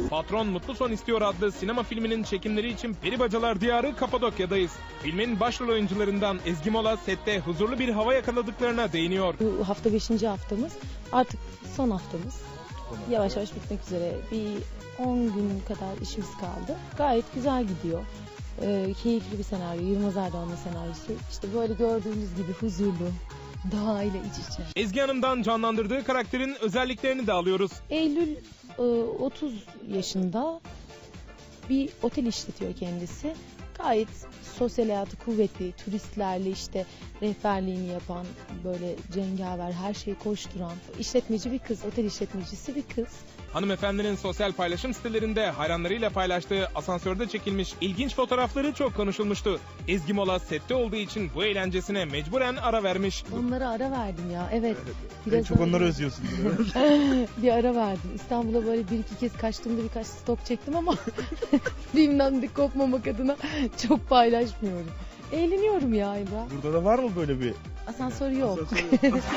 Patron Mutlu Son İstiyor adlı sinema filminin çekimleri için Peribacalar Diyarı Kapadokya'dayız. Filmin başrol oyuncularından Ezgi Mola sette huzurlu bir hava yakaladıklarına değiniyor. Bu hafta 5. haftamız, artık son haftamız. Yavaş yavaş bitmek üzere. Bir 10 gün kadar işimiz kaldı. Gayet güzel gidiyor. Keyifli bir senaryo, Yılmaz Erdoğan'ın senaryosu. İşte böyle gördüğünüz gibi huzurlu, doğayla iç içe. Ezgi Hanım'dan canlandırdığı karakterin özelliklerini de alıyoruz. Eylül 30 yaşında, bir otel işletiyor kendisi. Gayet sosyal hayatı kuvvetli, turistlerle işte rehberliğini yapan, böyle cengaver, her şeyi koşturan, işletmeci bir kız, otel işletmecisi bir kız. Hanımefendinin sosyal paylaşım sitelerinde hayranlarıyla paylaştığı asansörde çekilmiş ilginç fotoğrafları çok konuşulmuştu. Ezgi Mola sette olduğu için bu eğlencesine mecburen ara vermiş. Onlara ara verdim ya, evet. En çok onları özlüyorsun. Bir ara verdim. İstanbul'a böyle bir iki kez kaçtığımda birkaç stok çektim ama filmden de kopmamak adına çok paylaşmıyorum. Eğleniyorum ya İbrahim. Burada da var mı böyle bir? Asansör yok. Asansör yok.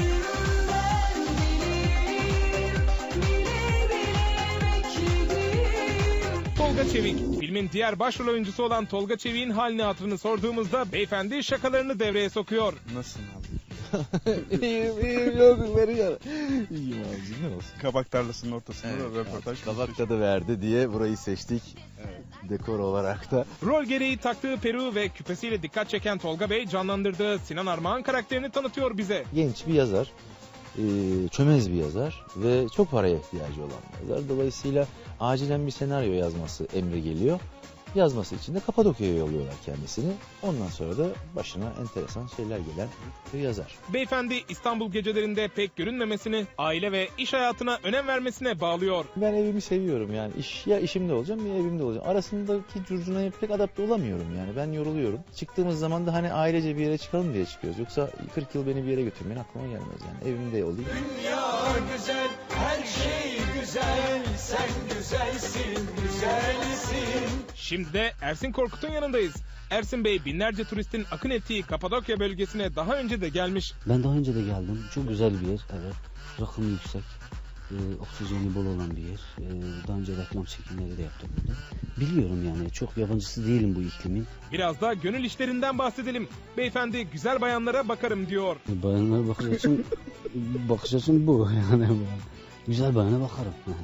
Tolga Çevik. Filmin diğer başrol oyuncusu olan Tolga Çevik'in halini hatırını sorduğumuzda beyefendi şakalarını devreye sokuyor. Nasılsın abi? iyiyim yok veriyor. İyiyim abicim, ne olsun. Kabak tarlasının ortasında da röportaj. Kabak tadı verdi diye burayı seçtik. Evet. Dekor olarak da. Rol gereği taktığı peruğu ve küpesiyle dikkat çeken Tolga Bey canlandırdığı Sinan Armağan karakterini tanıtıyor bize. Genç bir yazar. Çömez bir yazar ve çok paraya ihtiyacı olan bir yazar. Dolayısıyla acilen bir senaryo yazması emri geliyor. Yazması için de Kapadokya'ya yolluyorlar kendisini. Ondan sonra da başına enteresan şeyler gelen bir yazar. Beyefendi İstanbul gecelerinde pek görünmemesini, aile ve iş hayatına önem vermesine bağlıyor. Ben evimi seviyorum yani. Ya işimde olacağım ya evimde olacağım. Arasındaki curcunaya pek adapte olamıyorum yani. Ben yoruluyorum. Çıktığımız zaman da hani ailece bir yere çıkalım diye çıkıyoruz. Yoksa 40 yıl beni bir yere götürmeyin aklıma gelmez yani. Evimde olayım. Dünya güzel, her şey güzel, sen güzelsin, güzelsin. Şimdi de Ersin Korkut'un yanındayız. Ersin Bey binlerce turistin akın ettiği Kapadokya bölgesine daha önce de gelmiş. Ben daha önce de geldim. Çok güzel bir yer. Evet. Rakımı yüksek. Oksijeni bol olan bir yer. Daha önce reklam çekimleri de yaptım burada. Biliyorum yani. Çok yabancısı değilim bu iklimin. Biraz da gönül işlerinden bahsedelim. Beyefendi güzel bayanlara bakarım diyor. Bayanlara bakış açım bu yani. Güzel bayana bakarım yani.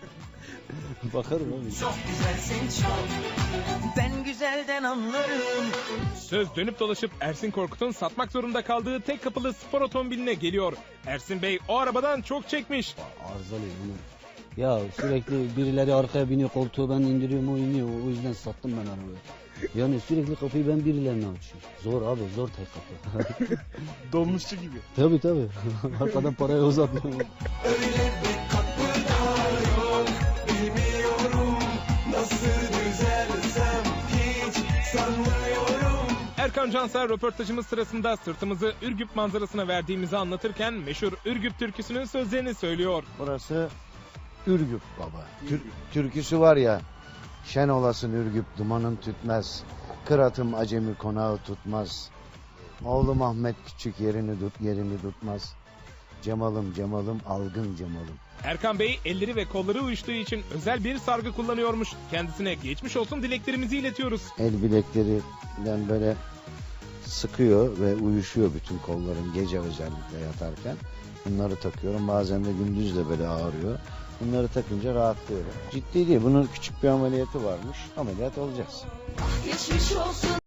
Bakarım abi. Çok güzelsin çok, ben güzelden anlarım. Söz dönüp dolaşıp Ersin Korkut'un satmak zorunda kaldığı tek kapılı spor otomobiline geliyor. Ersin Bey o arabadan çok çekmiş. Arızalıyım bunu. Ya sürekli birileri arkaya biniyor, koltuğu ben indiriyorum, o iniyor. O yüzden sattım ben arabayı. Yani sürekli kapıyı ben birilerine açıyorum. Zor abi, zor tek kapı. Dolmuşçu gibi. Tabii. Arkadan parayı uzatmıyorum. Öyle bir kapı da yok, bilmiyorum nasıl düzelsem hiç sanmıyorum. Erkan Canser röportajımız sırasında sırtımızı Ürgüp manzarasına verdiğimizi anlatırken meşhur Ürgüp türküsünün sözlerini söylüyor. Burası Ürgüp baba. Türküsü var ya. Şen olasın Ürgüp dumanın tütmez. Kıratım acemi konağı tutmaz. Oğlum Ahmet küçük yerini tutmaz. Cemalım algın cemalım. Erkan Bey elleri ve kolları uyuştuğu için özel bir sargı kullanıyormuş. Kendisine geçmiş olsun dileklerimizi iletiyoruz. El bileklerinden böyle sıkıyor ve uyuşuyor bütün kollarım gece özellikle yatarken. Bunları takıyorum. Bazen de gündüz de böyle ağrıyor. Bunları takınca rahatlıyorum. Ciddi değil. Bunun küçük bir ameliyatı varmış. Ameliyat olacağız. Geçmiş olsun.